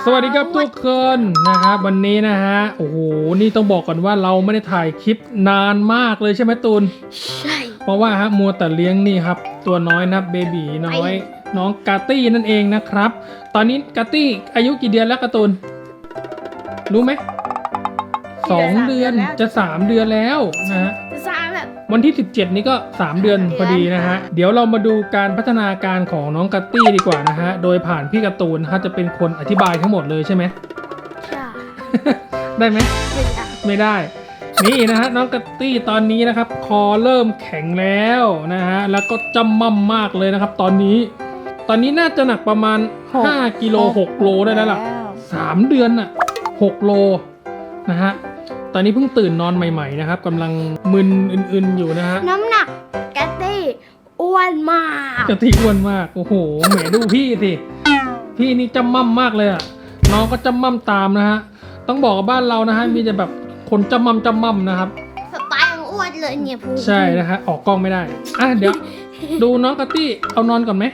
สวัสดีครับทุกคนนะครับวันนี้นะฮะโอ้โหนี่ต้องบอกก่อนว่าเราไม่ได้ถ่ายคลิปนานมากเลยใช่ไหมตูนใช่เพราะว่าฮะมัวแต่เลี้ยงนี่ครับตัวน้อยนะเบบีน้อยน้องกาตี้นั่นเองนะครับตอนนี้กาตี้อายุกี่เดือนแล้วการ์ตูนรู้ไหม2 เดือนจะ3 เดือนแล้วนะฮะวันที่17นี้ก็3 เดือนพอดีนะฮะเดี๋ยวเรามาดูการพัฒนาการของน้องกัตตี้ดีกว่านะฮะโดยผ่านพี่การ์ตูนนะครับจะเป็นคนอธิบายทั้งหมดเลยใช่ไหมใช่ได้ไหมไม่ได้นี่นะฮะน้องกัตตี้ตอนนี้นะครับคอเริ่มแข็งแล้วนะฮะแล้วก็จำมั่มมากเลยนะครับตอนนี้น่าจะหนักประมาณ5 กิโล 6 โลได้แล้วล่ะ3 เดือนอ่ะ6 โลนะฮะตอนนี้เพิ่งตื่นนอนใหม่ๆนะครับกำลังมึนอึนๆอยู่นะฮะน้ำหนักกะตี้อ้วนมากกะตี้อ้วนมากโอ้โหแหมดูพี่สิพี่นี่จำมั่มมากเลยอ่ะน้องก็จำมั่มตามนะฮะต้องบอกกับบ้านเรานะฮะมีแต่แบบคนจำมั่มนะครับสไตล์ของอ้วนเลยเนี่ยพูใช่นะฮะออกกล้องไม่ได้อ่ะเดี๋ยวดูน้องกะตี้เอานอนก่อนไหม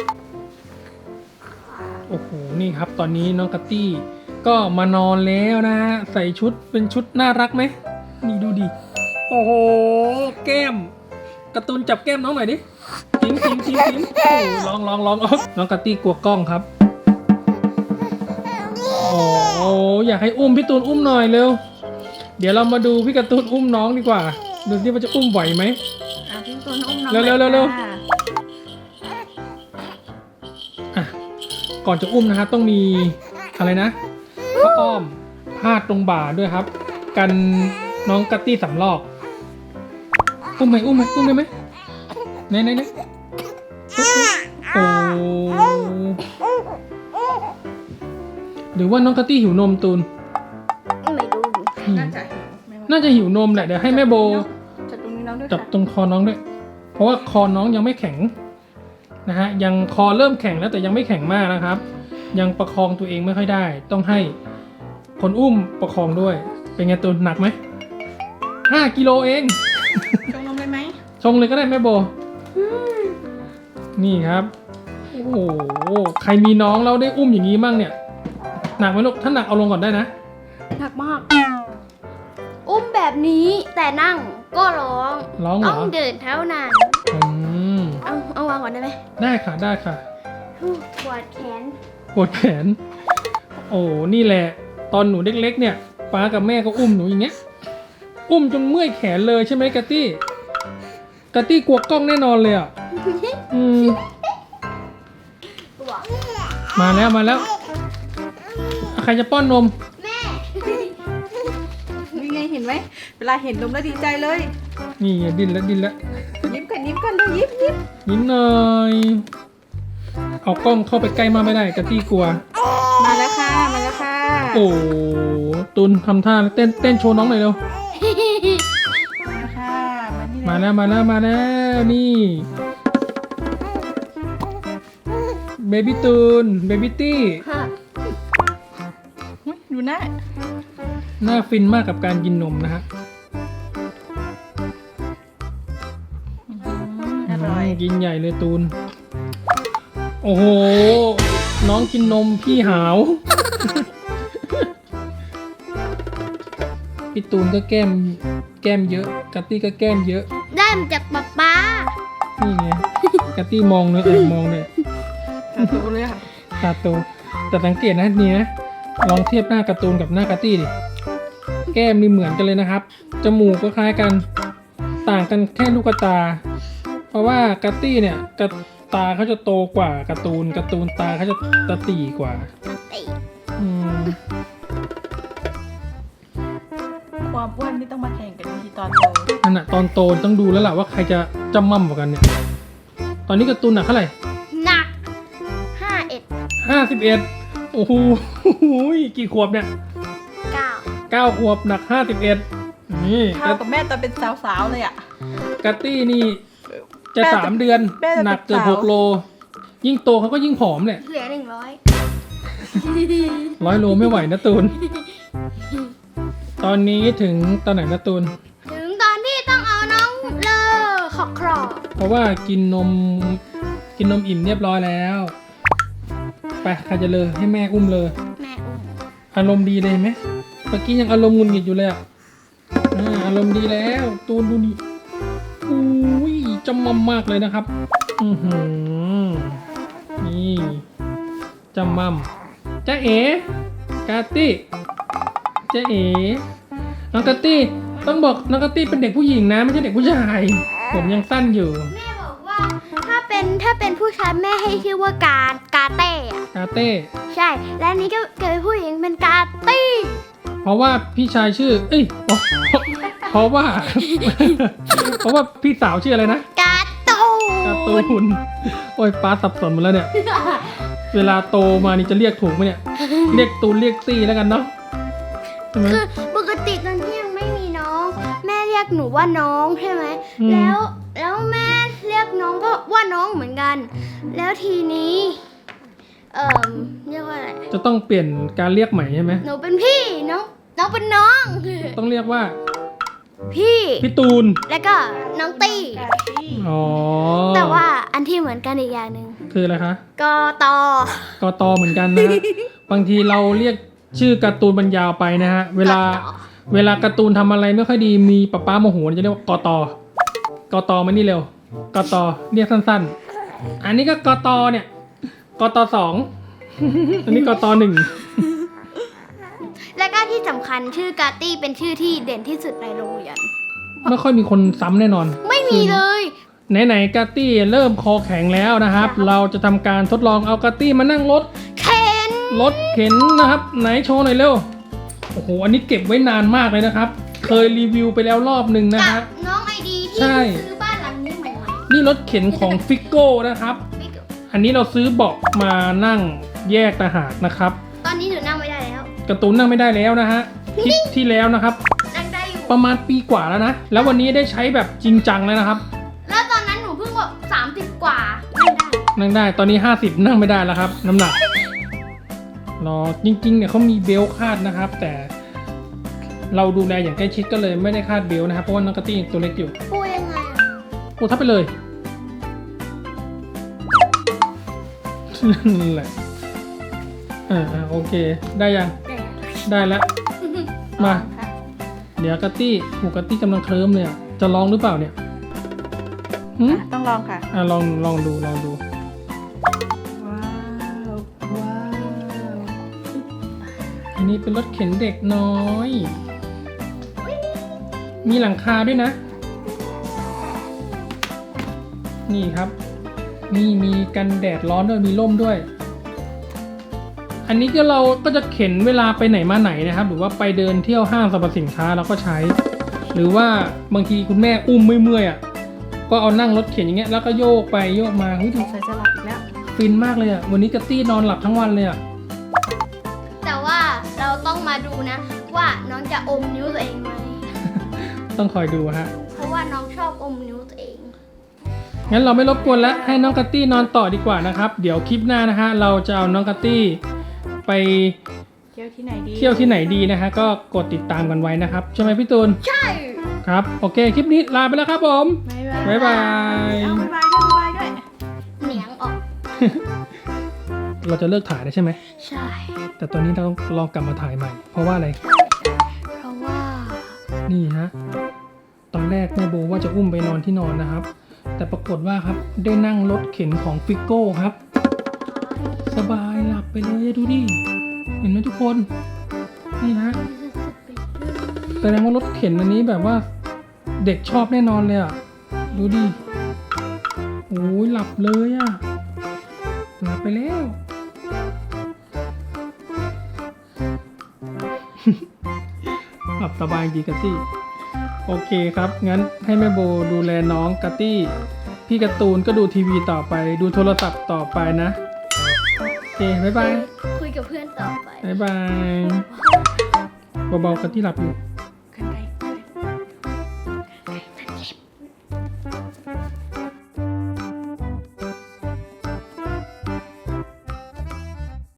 โอ้โหนี่ครับตอนนี้น้องกะตี้ก็มานอนแล้วนะฮะใส่ชุดเป็นชุดน่ารักไหมนี่ดูดิโอ้โหแก้มการ์ตูนจับแก้มน้องหน่อยดิทิ้งโอ้ลองน้องกะตี้กลัวกล้องครับโอ้อยากให้อุ้มพี่ตูนอุ้มหน่อยเร็วเดี๋ยวเรามาดูพี่การ์ตูนอุ้มน้องดีกว่าดูสิว่าจะอุ้มไหวไหมพี่ตูนอุ้มน้องเร็วอ่ะก่อนจะอุ้มนะฮะต้องมีอะไรนะผ้าอ้อมพาดตรงบ่าด้วยครับกันน้องกัตตี้สำลอกอุ้มได้ไหมไหนโอ้หรือว่าน้องกัตตี้หิวนมตูนไม่ดูน่าจะหิวนมแหละเดี๋ยวให้แม่โบจับตรงคอน้องด้วยเพราะว่าคอน้องยังไม่แข็งนะฮะยังคอเริ่มแข็งแล้วแต่ยังไม่แข็งมากนะครับยังประคองตัวเองไม่ค่อยได้ต้องให้คนอุ้มประคองด้วยเป็นไงตูนหนักไหม5 กิโลเองชงนมเลยไหมชงเลยก็ได้แม่โบนี่ครับโอ้โหใครมีน้องแล้วได้อุ้มอย่างนี้มั่งเนี่ยหนักไหมลูกถ้าหนักเอาลงก่อนได้นะหนักมากอุ้มแบบนี้แต่นั่งก็ร้องเหรอต้องเดินเท่านั้นเอาวางก่อนได้ไหมได้ค่ะปวดแขนโอ้นี่แหละตอนหนูเล็กๆเนี่ยป้ากับแม่ก็อุ้มหนูอย่างเงี้ยอุ้มจนเมื่อยแขนเลยใช่ไหมกะตี้กลัวกล้องแน่นอนเลยอ่ะมาแล้วใครจะป้อนนมแม่นี่ไงเห็นไหมเวลาเห็นนมแล้วดีใจเลยนี่ดิ้นแล้วยิ้มกันเลยยิ้มหน่อยเอากล้องเข้าไปใกล้มากไม่ได้กะตี้กลัวมาแล้วค่ะโอ้ตุนทำท่าเต้นโชว์น้องหน่อยเร็วมาแล้วนี่เบบี้ตูนเบบี้ตี้ดูหน้าฟินมากกับการกินนมนะฮะอร่อยกินใหญ่เลยตูนโอ้โหน้องกินนมพี่หาวพี่ตูนก็แก้มเยอะกัตตี้ก็แก้มเยอะได้มาจากป๊านี่ไงกัตตี้มองเลยมองเลยตาโตเลยค่ะตาโตแต่สังเกตนะนี่นะลองเทียบหน้าการ์ตูนกับหน้ากัตตี้ดิแก้มนี่เหมือนกันเลยนะครับจมูกก็คล้ายกันต่างกันแค่ลูกตาเพราะว่ากัตตี้เนี่ยตาเขาจะโตกว่าการ์ตูนตาเขาจะตะตีกว่าความอ้วนไม่ต้องมาแข่งกันทีตอนโตนั่นน่ะตอนโตต้องดูแล้วล่ะว่าใครจะจำมั่มกว่ากันเนี่ยตอนนี้การ์ตูนหนักเท่าไหร่หนัก 51โอ้โหกี่ขวบเนี่ย9 ขวบหนัก51นี่เท่ากับแม่ตอนเป็นสาวๆเลยอ่ะกัตตี้นี่จะ3 เดือนหนักเกือบ6 โลยิ่งโตเขาก็ยิ่งผอมเนี่ยเหลือ 100 โลไม่ไหวนะตูนตอนนี้ถึงตอนไหนนะตูนถึงตอนที่ต้องเอาน้องเลอขอบครอบเพราะว่ากินนมอิ่มเรียบร้อยแล้วไปใครจะเลยให้แม่อุ้มเลยแม่อุ้อารมณ์ดีเลยเห็นไหมเมื่อกี้ยังอารมณ์หงุดหงิดอยู่เลยอ่ะอารมณ์ดีแล้วตูนดูนี่อุ้ยจำมั่มมากเลยนะครับนี่จำมั่มจ๊ะเอ๋กาตี้จ๊ะเอ๋น้องกาตี้ต้องบอกน้องกาตี้เป็นเด็กผู้หญิงนะไม่ใช่เด็กผู้ชายผมยังสั้นอยู่แม่บอกว่าถ้าเป็นผู้ชายแม่ให้ชื่อว่ากาเต้อะกาเต้ใช่และอันนี้ก็เกิดเป็นผู้หญิงเป็นกาตี้เพราะว่าพี่ชายชื่อ เอ้ยเพราะว่า เพราะว่าพี่สาวชื่ออะไรนะกาตูการ์ตูนโอ้ยป้าสับสนหมดแล้วเนี่ย เวลาโตมานี่จะเรียกถูกไหมเนี่ย เรียกตูนเรียกตี้แล้วกันเนาะใช่ไหมคือปกติตอนที่ยังไม่มีน้อง แม่เรียกหนูว่าน้องใช่ไหมอืมแล้วแม่เรียกน้องก็ว่าน้องเหมือนกัน แล้วทีนี้เรียกว่าอะไรจะต้องเปลี่ยนการเรียกใหม่ใช่ไหมหนูเป็นพี่น้องเป็นน้องต้องเรียกว่าพี่พี่ตูนแล้วก็น้องตี้กาตี้อ๋อแต่ว่าอันที่เหมือนกันอีกอย่างหนึ่งคืออะไรคะกอตอกตเหมือนกันนะฮะ บางทีเราเรียกชื่อการ์ตูนบรรยาวไปนะฮะ เวลาการ์ตูนทำอะไรไม่ค่อยดีมีป๊าโมโหจะเรียกว่ากตมานี่เร็วกตเรียกสั้นๆ อันนี้ก็กตเนี่ยกต2 อันนี้กต1 แล้วก็ที่สำคัญชื่อกาตี้เป็นชื่อที่เด่นที่สุดในโรงเรียนไม่ค่อยมีคนซ้ำแน่นอนไม่มีเลยไหนๆกาตี้เริ่มคอแข็งแล้วนะครับ เราจะทำการทดลองเอากาตี้มานั่งรถเข็นเข็นนะครับ ไหนโชว์หน่อยเร็ว โอ้โห อันนี้เก็บไว้นานมากเลยนะครับ เคยรีวิวไปแล้วรอบหนึ่งนะกัฮะบน้องไอดีที่ใช่ซื้อบ้านหลังนี้ใหม่นี่รถเข็นของฟิกโก้นะครับๆอันนี้เราซื้อเบาะมานั่งแยกต่างหากนะครับตอนนี้หนูนั่งไม่ได้แล้วการ์ตูนนั่งไม่ได้แล้วนะฮะคลิปที่แล้วนะครับนั่งได้อยู่ประมาณปีกว่าแล้วนะ แล้ววันนี้ได้ใช้แบบจริงจังแล้วนะครับแล้วตอนนั้นหนูเพิ่งแบบ30 กว่านั่งได้นั่งได้ ตอนนี้ 50 นั่งไม่ได้แล้วครับ น้ำหนักรอจริงๆเนี่ยเขามีเบลต์คาดนะครับ แต่เราดูแลอย่างใกล้ชิดก็เลยไม่ได้คาดเบลต์นะครับ เพราะว่าน้องกะตี้ตัวเล็กอยู่พูดยังไงอะโอ้ทับไปเลยนั่นแหละโอเค ได้ยัง ได้แล้ว มาค่ะเดี๋ยวกะตี้หูกะตี้กำลังเคลิ้มเลยอะจะลองหรือเปล่าเนี่ยหืมต้องลองค่ะลองดูว้าว ว้าวอันนี้เป็นรถเข็นเด็กน้อย มีหลังคาด้วยนะ นี่ครับ นี่มีกันแดดร้อนด้วย มีร่มด้วย อันนี้ก็เราก็จะเข็นเวลาไปไหนมาไหนนะครับ หรือว่าไปเดินเที่ยวห้างสรรพสินค้าเราก็ใช้ หรือว่าบางทีคุณแม่อุ้มเมื่อยๆอ่ะ ก็เอานั่งรถเข็นอย่างเงี้ย แล้วก็โยกไปโยกมาเฮ้ยดูใส่จะหลับอีกแล้วฟินมากเลยอ่ะ วันนี้กะตี้นอนหลับทั้งวันเลยอ่ะแต่ว่าเราต้องมาดูนะ ว่าน้องจะอมนิ้วตัวเองไหมต้องคอยดูฮะเพราะว่าน้องชอบอมนิ้วตัวเองงั้นเราไม่รบกวนแล้วให้น้องกัตตี้นอนต่อดีกว่านะครับ เดี๋ยวคลิปหน้านะฮะเราจะเอาน้องกัตตี้ไปเที่ยวที่ไหนดีเที่ยวที่ไหนดีนะฮะก็กดติดตามกันไว้นะครับใช่ไหมพี่ตูนใช่ครับโอเคคลิปนี้ลาไปแล้วครับผมบ๊ายบายบ๊ายบายเอาบ๊ายบายด้วยบ๊ายบายด้วยเหนียงออกเราจะเลิกถ่ายได้ใช่ไหมใช่แต่ตอนนี้เราต้องลองกลับมาถ่ายใหม่ เพราะว่าอะไรเพราะว่านี่ฮะตอนแรกแม่โบว่าจะอุ้มไปนอนที่นอนนะครับ แต่ปรากฏว่าครับได้นั่งรถเข็นของฟิกโก้ครับ สบายหลับไปเลยดูดิเห็นไหมทุกคนนี่ฮะแสดงว่ารถเข็นอันนี้แบบว่าเด็กชอบแน่นอนเลยอ่ะดูดิโอ้ยหลับเลยอ่ะหลับไปแล้ว หลับสบายจริงกัตตี้โอเคครับงั้นให้แม่โบดูแลน้องกัตตี้พี่การ์ตูนก็ดูทีวีต่อไปดูโทรศัพท์ต่อไปนะโอเคบ๊ายบายคุยกับเพื่อนต่อไปบ๊ายบายเบาๆกัตตี้หลับอยู่